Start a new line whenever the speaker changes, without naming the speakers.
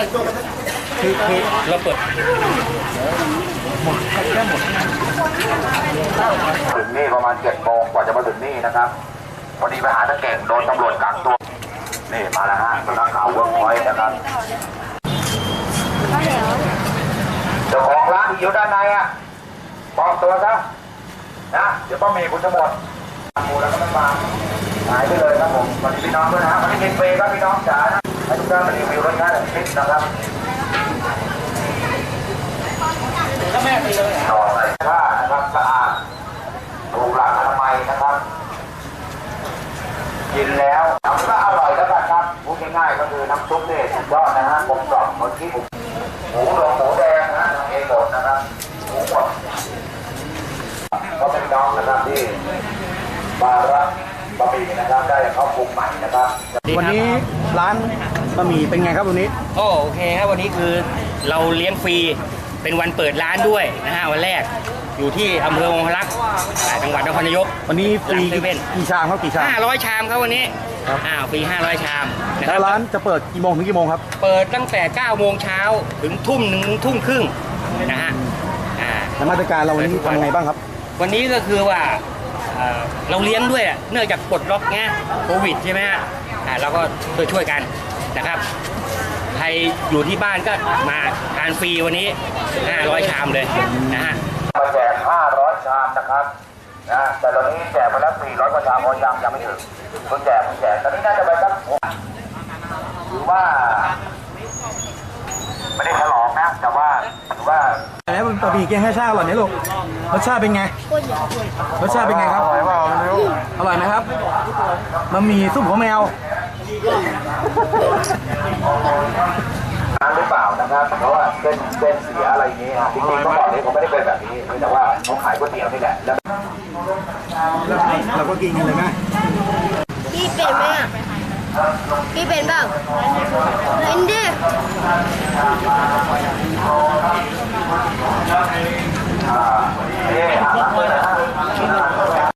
คือเราเปิดหมดแค่หมด
ถึงนี่ประมาณ7 โมงกว่าจะมาถึงนี่นะครับพอดีไปหาตะเก่งโดนตำรวจกักตัวนี่มาแล้วฮะสำนักข่าวเวิร์กพอยต์นะครับเจ้าของร้านที่อยู่ด้านในอ่ะปลอมตัวซะนะเดี๋ยวป้าเมย์คุณจะหมดมูแล้วก็ไม่มาหายไปเลยครับผมวันนี้พี่น้องด้วยนะวันนี้กินเฟรครับพี่น้องจ๋าให้ทุกท่านมารีวิวรถค้าแบบคลิปนะครับ
ก็แม่ไปเลย
ต่อไปผ้านะครับสะอาดถูกหลักอนามัยนะครับกินแล้วทำก็อร่อยแล้วกันครับพูดง่ายๆก็คือน้ำซุปเนี่ยสุดยอดนะฮะกลมกล่อมเหมือนที่หมูหลงหมูแดงนะฮะทำเองหมดนะครับหมูหมดก็เป็นน้องนะครับที่มารับบะหมี่นะครับได้เข้าปรุงใหม่นะครับ
วันนี้ร้านบะหมี่เป็นไงครับวันนี้
โอเคครับวันนี้คือเราเลี้ยงฟรีเป็นวันเปิดร้านด้วยนะฮะวันแรกอยู่ที่อำเภอองครักษ์จังหวัดนครนายก
วันนี้ฟรีกี่ชามครับกี่ชาม
500 ชามครับวันนี้ฟรี500 ชาม
แล้วร้านจะเปิดกี่โมงถึงกี่โมงครับ
เปิดตั้งแต่9 โมงเช้าถึงทุ่ม 1 ทุ่มครึ่งนะฮะ
แล้วมาตรการเราวันนี้ทำยังไงบ้างครับ
วันนี้ก็คือว่าเราเลี้ยงด้วยเนื่องจากปลดล็อกเงี้ยโควิดใช่ไหมฮะเราก็ช่วยกันนะครับใครอยู่ที่บ้านก็มาทานฟรีวันนี้500 ชามเลยนะฮะ
มาแจก500 ชามนะครับนะแต่ตอนนี้แจกไปแล้ว400 กว่าชามพอยังไม่ถึงเพิ่งแจกตอนนี้น่าจะไปสักหรือว่าไม่ได้ฉลองนะแต่ว่าถือว่า
แล้วบะหมี่แกง5 ชามอร่อยไหมลูกรสชาติเป็นไงรสชาติเป็นไงครับอร่อยเปล่าไม่รู้อร่อยไหมครับบะหมี่ซุปหัวแมว
หรือเปล่านะครับเพราะว่าเส้นเสียอะไรอย่างนี้จริงๆเมื่อก่อนนี้ผมไม่ได้เป็นแบบนี้แต่ว่าเขาขายก๋วยเตี๋ยวนี่แหละแล้ว
เราก็กินกันเลยไหม
พี่เป็นไหมอ่ะพี่เป็นเปล่าเป็นดิ
นี่